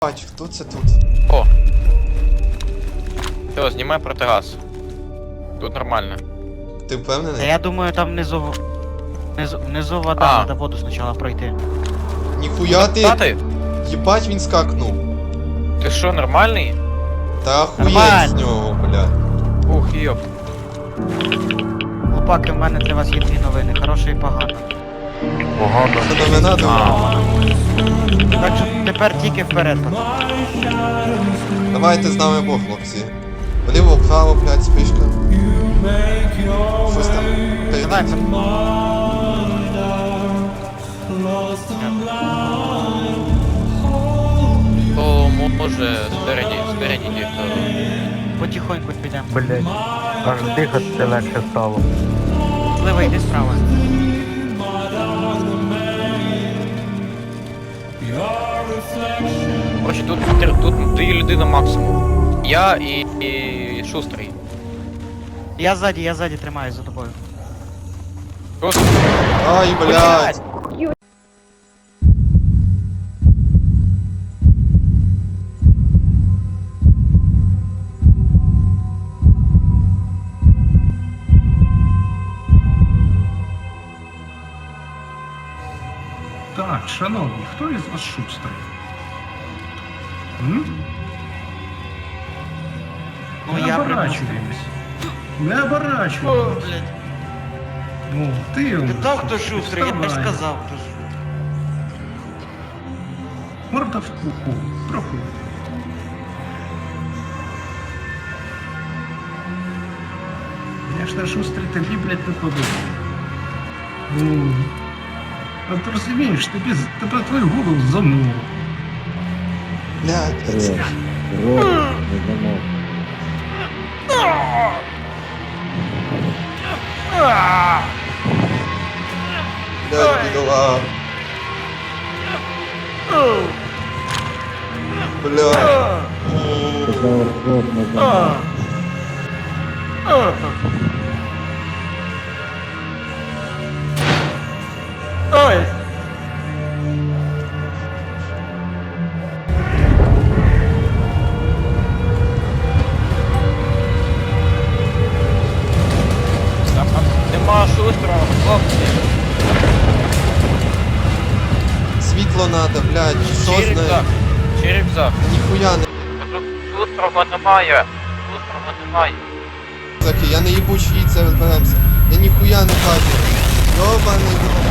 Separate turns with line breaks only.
Бать, хто це тут?
О! Все, знімай протигаз. Тут нормально.
Ти
Та
впевнений?
я думаю, там внизу вода, надо воду спочатку пройти.
Ніхуя ти!
Стати?
Єбать він скакнув.
Ти що, нормальний?
Та охуєть
Нормально.
з нього, бля.
Ух, йоп.
Хлопаки, в мене для вас є дві новини, хороша і погана.
Що до мене думав?
Так що тепер тільки вперед, пацани.
Давайте з нами Бог, хлопці. Вліво, вправо, блядь, спишка. Щось там.
Давай,
Перейдіть.
То може спереді ніхто.
потихоньку підемо.
Блять, аж дихати легше стало.
Злива, йди справа.
Короче, тут дві людини максимум. Я і Шустрий.
Я ззаді тримаюсь за тобою.
Просто
Ай, блядь.
Так, шановні, хто із вас шустрий? М?
Ну
Не
я
оборачуємось. Не оборачуємось.
блядь.
Ну, ти у
Ти
нас
так, хто
тут
шустрий, я не
вставай.
сказав, хто шустрий.
Морда в куку. Проходь. Конечно, шустрий тобі, блядь, не подобається. Ну, а ти розумієш, тебе твою голову замуло.
Блядь, це... Блядь, бідола. Блядь.
Ой!
там нема Шустрого, хлопці.
Світло надо, блядь,
Чи
сосне.
рюкзак? Чи рюкзак?
Ніхуя не
Шустрого немає. Шустрого немає.
рюкзаки, я не їбучий, це розберемося. Я ніхуя не бачу. Йобаний.